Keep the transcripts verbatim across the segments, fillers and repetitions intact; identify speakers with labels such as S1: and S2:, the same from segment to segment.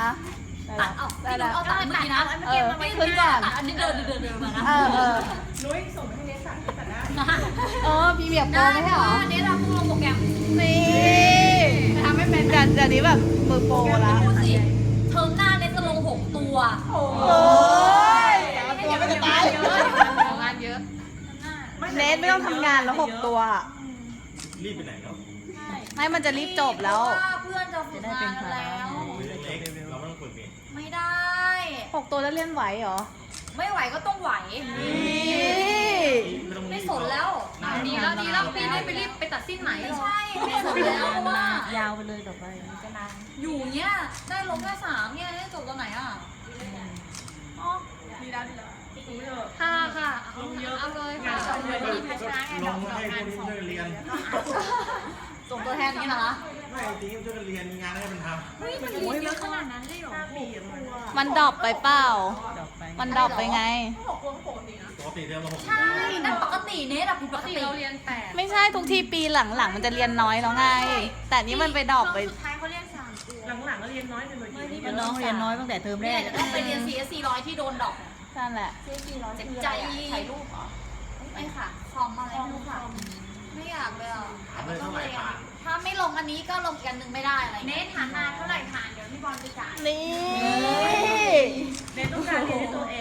S1: อ่ะ
S2: ตัดเอาพี่นุ้ยเอาตัดเมื่อกี้นะ
S1: เออขึ้นก่อน
S2: ตัดอันนี้เดินเดินเดินมานะ
S1: เออเออ
S3: นุ้ยส่งไปให้เนสสั่งตัดได้
S1: เออมีเบียบโปร
S2: ได้
S1: ไม่
S2: เพ
S1: ใช่
S2: ราะ
S1: หรอ
S2: ว่าอันนี้เราเพิ่งลงโปรแกรม
S1: นี่ทำไม่เป็นกันเดี๋ยวนี้แบบมือโปรละ
S2: พูดสิเทอมหน้าเนี่ยจะลงหกตัว
S1: โอ้ยตัวไม่จะตาย
S2: งานเยอะ
S1: เนทไม่ต้องทำงานแล้วหกตัว
S4: รีบไปไหนแล้ว
S1: ให้มันจะรีบจบแล้ว
S2: ว่าเพื่อนจะฝึกงานแล้ว
S4: เล็กๆเราไม่ต้องฝึกเอง
S2: ไม่ได้
S1: หกตัวแล้วเรียนไหวเหรอ
S2: ไม่ไหวก็ต้องไหว
S1: นี่
S4: ไม่ต้อง
S2: ไม่สนแล้วดีแล้วดีแล้วปีนี้ไปรีบไปตัดสิ้นไหนไม่ใช่ไม่สนแล้วเพราะว่าย
S3: าวไปเลยต่อไปจะนาน
S2: อยู่เนี้ยได้ลงแค่สามเนี่ยได้จบตอนไหนอ่ะอ๋อ
S3: ดีแล้วดีแล้วรู้เถอะ
S2: ค่ะค่ะเอาเอาเลยค่ะ
S4: ลงให้พวกนี้ช่วยกันเรียน
S2: ส่งตัวแทนนี่เหรอ
S4: ไม่จริงช่วยกันเรียนมีงานให้มันทำ
S2: เฮ้ยมันเยอะขนาดนั้นเลยเหรอ
S1: มันดรอปไปเปล่า
S3: ดอกไป
S1: มันดรอปไปไง
S4: ปกติเทอมละหก
S2: ใช่นั่นปกติเนี่ยแบบผิดปกติเราเรียนแปด
S1: ไม่ใช่ทุกทีปีหลังๆมันจะเรียนน้อยแล้วไง แต่นี่มันไปดรอปไป
S2: สุดท้ายเขาเรียนสามตัว
S3: หลังๆก็เรียนน้อยเป็นหน่วยกิน
S1: น้องเรียนน้อยตั้งแต่เทอมแร
S2: เนี่ย
S1: ก
S2: จะต้องไปเรียน ซี เอส ซี ร้อยที่โดนดอก
S1: นั่นแหละ
S2: เจ็บใจถ่ายรูปเหรอไม่ค่ะคอมอะไรไม่รู้ค่ะ ไม่อยากเลยอ่ะ
S4: ถามเลยเท่าไหร่ผ่าน
S2: ถ้าไม่ลงอันนี้ก็ลงอีกอันหนึ่งไม่ได้อะไรเน้นฐานนานเท่าไหร่ฐานเดี๋ยวพี่บอลไปจ่าย
S1: นี่
S3: เนสต้องการเรียนด้วยตัวเอง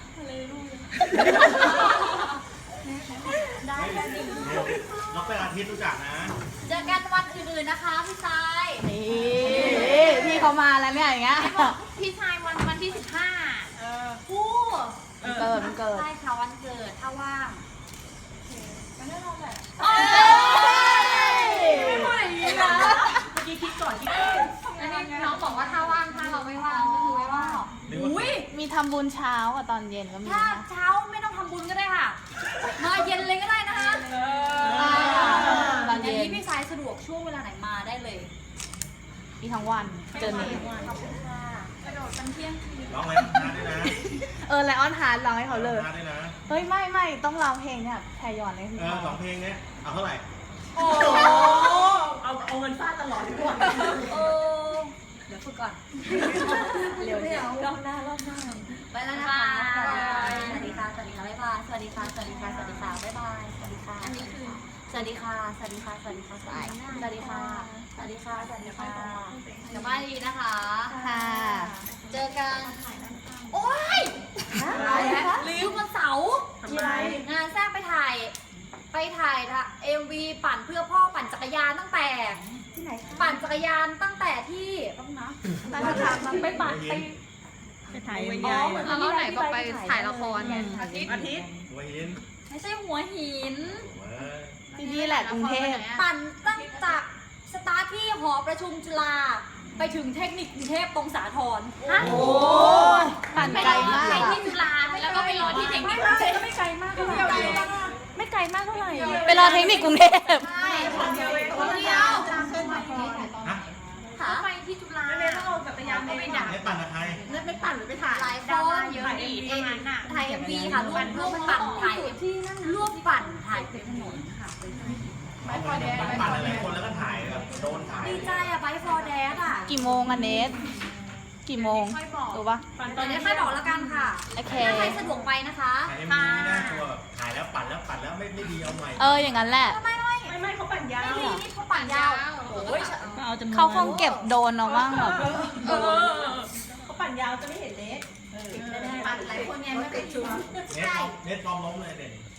S2: ได้แค่นี้
S4: เราเป็นอาทิตย์รู้จักนะ
S2: เจอกันวันอื่นๆนะคะพี่ชาย
S1: นี่พี่เขามาแล้วเนี่ยอย่างเงี้ย
S2: พี่ชายวันวันที่สิบห้า
S3: เออ
S2: กู้
S1: เกิดมันเกิด
S2: ใช่ค่ะวันเกิดถ้าว่างไม่ได้ลงแบบ
S1: เอ้ย
S3: ไม่ไหวนะเมื่อกี้คิดก่อนคิดก่อน
S2: อันนี้น้องบอกว่าถ้าว่างถ้าเราไม่ว่างก็คือไม่ว่าง
S4: นึกว่า
S2: อุ้ย
S1: มีทำบุญเช้ากับตอนเย็นก็มี
S2: ถ้า
S1: นะ
S2: เช้าไม่ต้องทำบุญก็ได้ค่ะ มาเย็นเลยก็ได้นะคะ
S3: เอ
S1: ได้
S3: อ
S1: ค่ะต
S2: อั
S1: อน น
S2: นี้
S1: เย็น
S2: พี่ชายสะดวกช่วงเวลาไหนมาได้เลย
S1: มีทั้งวันเจอนี้
S2: ขอบคุณค่ะกระโดดกันเที่ยงคืน
S4: ร้องอะไรทานด้วยนะ
S1: เออไลออนฮาร์ดร้องให้เขาเลย
S4: ทานด้วยนะ
S1: เฮ้ยไม่ไม่ต้องร้องเพลงเนี่ยแทยอนเลย
S4: เออสองเพลงเนี้ยเอาเท่าไหร่
S3: โอ้เอาเอาเงินฟาดตลอดดีกว่า
S2: เออเดี๋ยวฝึกก่อน
S1: เร็วเนี่ย
S3: รอบหน้ารอบหน้า
S2: ไปแล้วนะคะสวัสดีค่ะ สวัสดีค่ะ บ๊ายบาย สวัสดีค่ะ สวัสดีค่ะ สวัสดีค่ะ บ๊ายบาย สวัสดีค่ะ อันนี้คือ สวัสดีค่ะ สวัสดีค่ะ สวัสดีค่ะ สวัสดีค่ะ สวัสดีค่ะ สวัสดีค่ะ สวัสดีค่ะกลับบ้านดีนะคะ
S1: ค่ะ
S2: เจอกัน โอ๊ยลืมวันเสาร์
S3: ทำไม
S2: งานแทรกไปถ่าย ไปถ่ายเอ็มวีปั่นเพื่อพ่อปั่นจักรยานตั้งแต่ที่ไหนปั่นจักรยานตั้งแต่ที่ต้องนะไปปั่นไป
S3: ไปถ่าย
S2: อ๋อเหมือนที่ไหนบอกไปถ่ายละครไงอาทิตย์
S3: อาทิตย์
S4: หัวหิน
S2: ไม่ใช่หัวหิน
S4: หัว
S1: ที่นี่แหละกรุงเทพ
S2: ปั่นตั้งจากสตาร์ทที่หอประชุมจุฬาไปถึงเทคนิคกรุงเทพตรงสาทรฮะ
S1: โอ้ยปั่นไกลมาก
S2: ไป
S1: อะ
S2: ที่จุฬาแล้วก็ไปรอที่เทคนิคกรุงเทพ
S3: ไม่ไกลมากเท่าไหร่ไม่ไกลมากเท่าไหร่
S1: ไปรอเทคนิคกรุงเทพ
S2: ใช่คนเดียวคนเดียว
S4: ฮะ
S2: ขาไปที่จุฬา
S3: ไม่ต้องเอาจักรยานไปด่า
S4: ให้ปั่นกับใคร
S3: ไม่ปั่นหรือไปถ่าย
S2: หลายคนเยอะดีเองถ่ายเอ็มวีค่ะร่วมร่วมปั่นถ่ายร่วมปั่นถ่ายเป็นถนนค่ะ
S4: ปั่นปั่นหลายๆคนแล้วก็ถ่ายแบบโดนถ่าย
S2: ดีใจอะไบฟอร์แดดอะ
S1: กี่โมงอะเนทกี่โมงรู้ปะ
S2: ตอนนี้ค่อยบอกแล้วกันค่ะ
S1: โอเค
S2: ถ้าใครสะดวกไปนะคะ
S4: ถ่ายเอ็มวีนี่น่ากลัวแบบถ่ายแล้วปั่นแล้วปั่นแล้วไม่ไม่ดีเอาใหม่
S1: เอออย่างนั้นแหละ
S2: ไม่ไม่
S3: ไม่ไม่เขาปั่นยาว
S2: ไม่ดีนี่เขาปั่นยาวโอ้ย
S1: เขาคงเก็บโดนเอาบ้างแบบ
S3: เออเขาปั่นยาวจะไม่เห็นเนส
S2: ปั่นหลายคนไงไม่เป็นชุด
S4: เน็ตเน็ตปลอมล้มเลยเด่น